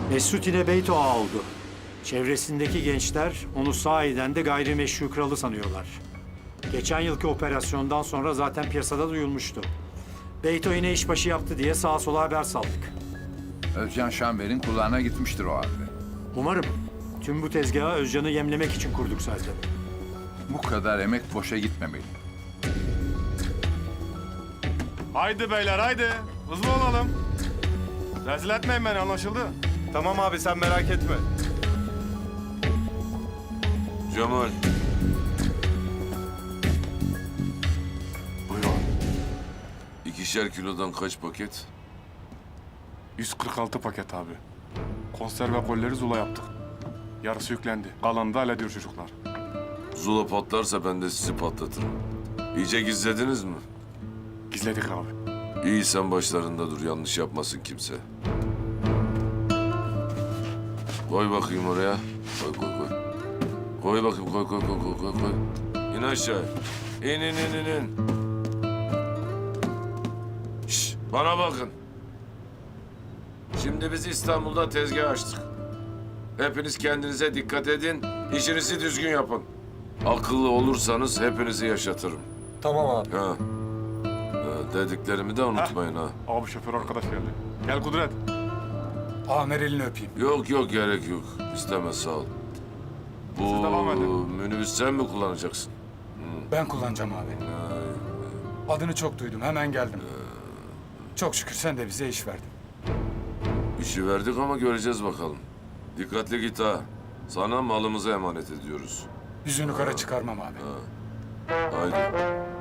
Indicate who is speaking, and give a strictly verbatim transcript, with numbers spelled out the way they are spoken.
Speaker 1: Mesut yine Beyto ağa oldu. Çevresindeki gençler onu sahiden de gayrimeşru kralı sanıyorlar. Geçen yılki operasyondan sonra zaten piyasada duyulmuştu. Beyto yine işbaşı yaptı diye sağa sola haber saldık.
Speaker 2: Özcan Şamber'in kulağına gitmiştir o halde.
Speaker 1: Umarım. Tüm bu tezgahı Özcan'ı yemlemek için kurduk zaten.
Speaker 2: Bu kadar emek boşa gitmemeli.
Speaker 3: Haydi beyler haydi. Hızlı olalım. Rezil etmeyin beni, anlaşıldı.
Speaker 4: Tamam abi sen merak etme.
Speaker 5: Cemal.
Speaker 3: Buyur abi.
Speaker 5: İkişer kilodan kaç paket?
Speaker 3: yüz kırk altı paket abi. Konserve kolleri Zula yaptık. Yarısı yüklendi. Kalanını da hallediyor çocuklar.
Speaker 5: Zula patlarsa ben de sizi patlatırım. İyice gizlediniz mi?
Speaker 3: Gizledik abi.
Speaker 5: İyi, sen başlarında dur, yanlış yapmasın kimse. Koy bakayım oraya. Koy koy koy. Koy bakayım, koy koy koy koy koy koy. İn aşağı. İn in in in in. Şş, bana bakın. Şimdi biz İstanbul'da tezgah açtık. Hepiniz kendinize dikkat edin, işinizi düzgün yapın. Akıllı olursanız hepinizi yaşatırım.
Speaker 4: Tamam abi.
Speaker 5: Ha. Ha, dediklerimi de unutmayın ha.
Speaker 3: Abi şoför arkadaş geldi. Gel Kudret.
Speaker 2: Amer elini öpeyim.
Speaker 5: Yok yok, gerek yok. İstemez, sağ ol. Bu
Speaker 3: Siz devam edin.
Speaker 5: minibüs sen mi kullanacaksın?
Speaker 2: Ben kullanacağım abi. Adını çok duydum, hemen geldim. Çok şükür sen de bize iş verdin.
Speaker 5: İşi verdik ama göreceğiz bakalım. Dikkatli git ha. Sana malımızı emanet ediyoruz.
Speaker 2: Yüzünü kara çıkarmam abi.
Speaker 5: Haydi.